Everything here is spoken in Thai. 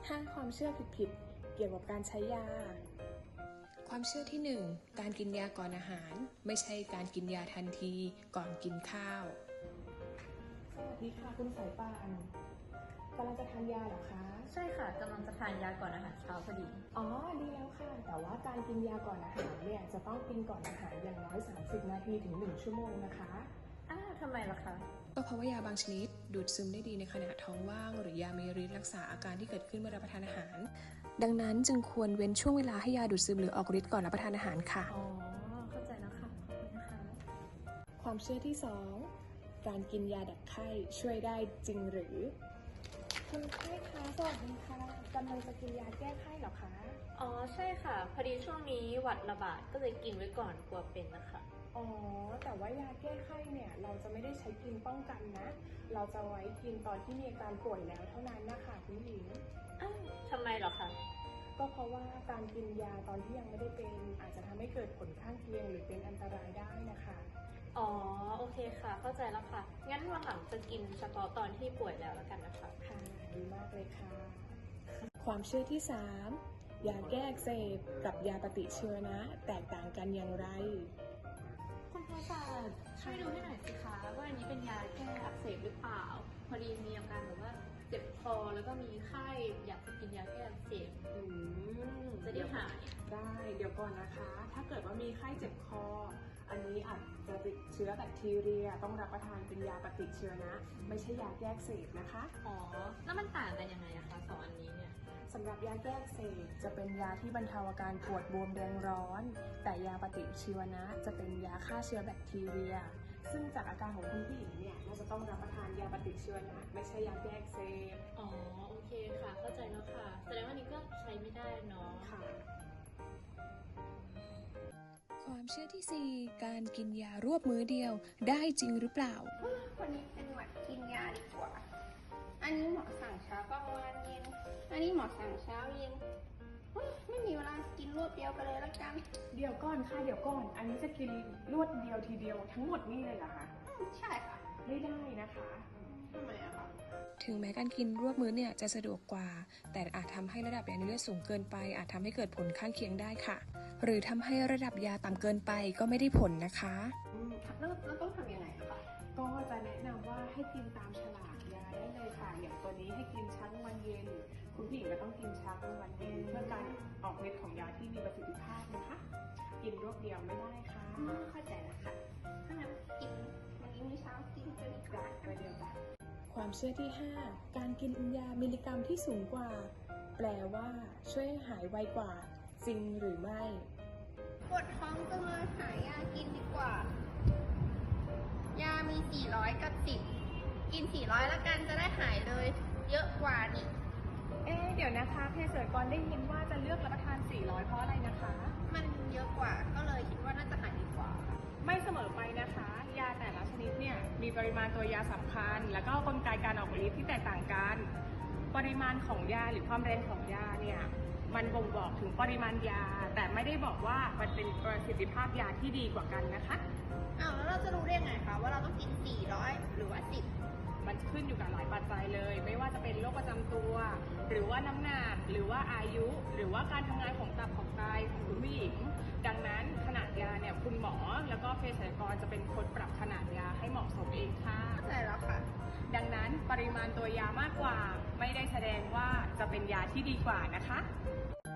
5 ความเชื่อผิดๆเกี่ยวกับการใช้ยาความเชื่อที่ 1 การกินยาก่อนอาหารไม่ใช่การกินยาทันทีก่อนกินข้าวสวัสดีค่ะคุณสายป่านกำลังจะทานยาเหรอคะใช่ค่ะกำลังจะทานยาก่อนอาหารเช้าพอดีอ๋อดีแล้วค่ะแต่ว่าการกินยาก่อนอาหารเนี่ยจะต้องกินก่อนอาหารอย่างน้อย30 นาทีถึง1 ชั่วโมงนะคะทำไมล่ะคะก็เพราะว่ายาบางชนิดดูดซึมได้ดีในขณะท้องว่างหรือยามีฤทธิ์รักษาอาการที่เกิดขึ้นเมื่อรับประทานอาหารดังนั้นจึงควรเว้นช่วงเวลาให้ยาดูดซึมหรือออกฤทธิ์ก่อนรับประทานอาหารค่ะอ๋อเข้าใจแล้วค่ะขอบคุณนะคะความเชื่อที่ 2 การกินยาดับไข้ช่วยได้จริงหรือคุณไข้คะสวัสดีค่ะกำลังจะกินยาแก้ไข้เหรอคะอ๋อใช่ค่ะพอดีช่วงนี้หวัดระบาดก็เลยกินไว้ก่อนกลัวเป็นนะคะอ๋อแต่ว่ายาแก้ไข้เนี่ยเราจะไม่ได้ใช้กินป้องกันนะเราจะไว้กินตอนที่มีอาการป่วยแล้วเท่านั้นนะคะคุณหญิงทำไมเหรอคะก็เพราะว่าการกินยาตอนที่ยังไม่ได้เป็นอาจจะทำให้เกิดผลข้างเคียงหรือเป็นอันตรายได้นะคะอ๋อโอเคค่ะเข้าใจแล้วค่ะงั้นวันหลังจะกินเฉพาะตอนที่ป่วยแล้วกันนะคะค่ะดีมากเลยค่ะความเชื่อที่ 3 ยาแก้อักเสบกับยาปฏิชีวนะแตกต่างกันอย่างไรคุณพยาบาลช่วยดูให้หน่อยสิคะว่าอันนี้เป็นยาแก้อักเสบหรือเปล่าพอดีมีอาการแบบว่าเจ็บคอแล้วก็มีไข้อยากจะกินยาแก้อักเสบจะได้หายได้เดี๋ยวก่อนนะคะถ้าเกิดว่ามีไข้เจ็บคออันนี้อาจจะติดเชื้อแบคทีเรียต้องรับประทานเป็นยาปฏิชีวนะไม่ใช่ยาแก้อักเสบนะคะอ๋อแล้วมันต่างกันยังไงอะคะสองอันนี้เนี่ยสำหรับยาแก้อักเสบจะเป็นยาที่บรรเทาอาการปวดบวมแดงร้อนแต่ยาปฏิชีวนะจะเป็นยาฆ่าเชื้อแบคทีเรียซึ่งจากอาการของคุณผู้หญิงเนี่ยเราจะต้องรับประทานยาปฏิชีวนะไม่ใช่ยาแก้อักเสบอ๋อโอเคค่ะเข้าใจแล้วค่ะแสดงว่านี้ก็ใช้ไม่ได้เนาะค่ะความเชื่อที่ 4 การกินยารวบมื้อเดียวได้จริงหรือเปล่าวันนี้เป็นหวัดกินยาดีกว่าอันนี้หมอสั่งเช้ากลางวันเย็นอันนี้หมอสั่งเช้าเย็นไม่มีเวลากินรวดเดียวไปเลยละกันเดี๋ยวก่อนค่ะเดี๋ยวก่อนอันนี้จะกินรวดเดียวทีเดียวทั้งหมดนี่เลยเหรอคะใช่ค่ะไม่ได้นะคะทำไมอะคะถึงแม้การกินรวบมื้อเนี่ยจะสะดวกกว่าแต่อาจทำให้ระดับยาในเลือดสูงเกินไปอาจทำให้เกิดผลข้างเคียงได้ค่ะหรือทำให้ระดับยาต่ำเกินไปก็ไม่ได้ผลนะคะแล้วต้องทำยังไงอะคะก็จะแนะนำว่าให้กินตามฉลากยาได้เลยค่ะอย่างตัวนี้ให้กินเช้ากลางวันเย็นคุณผู้หญิงก็ต้องกินเช้ากลางวันเย็นเพื่อการออกฤทธิ์ของยาที่มีประสิทธิภาพนะคะกินรวบเดียวไม่ได้ค่ะเข้าใจแล้วค่ะถ้างั้นกินวันนี้มื้อเช้ากินตัวนี้ก่อนไปเดียวกันความเชื่อที่ 5 การกินยามิลลิกรัมที่สูงกว่าแปลว่าช่วยหายไวกว่าจริงหรือไม่ปวดท้องจังเลยหายากินดีกว่ายามี400กับ10กิน400แล้วกันจะได้หายเลยเยอะกว่านี่เดี๋ยวนะคะเภสัชกรได้ยินว่าจะเลือกรับประทาน400เพราะอะไรนะคะมันเยอะกว่าก็เลยคิดว่าน่าจะหายดีกว่าไม่เสมอไปนะคะยาแต่ละชนิดเนี่ยมีปริมาณตัวยาสำคัญแล้วก็กลไกการออกฤทธิ์ที่แตกต่างกันปริมาณของยาหรือความแรงของยาเนี่ยมันบ่งบอกถึงปริมาณยาแต่ไม่ได้บอกว่ามันเป็นประสิทธิภาพยาที่ดีกว่ากันนะคะแล้วเราจะรู้ได้ไงคะว่าเราต้องกิน400หรือว่า10 มันขึ้นอยู่กับหลายปัจจัยเลยไม่ว่าจะเป็นโรคประจำตัวหรือว่าน้ำหนักหรือว่าอายุหรือว่าการทำงานของตับของไตของคุณผู้หญิงดังนั้นขนาดยาเนี่ยคุณหมอแล้วก็เภสัชกรจะเป็นคนปรับขนาดยาให้เหมาะสมเองค่ะใช่แล้วค่ะดังนั้นปริมาณตัวยามากกว่าไม่ได้แสดงว่าจะเป็นยาที่ดีกว่านะคะ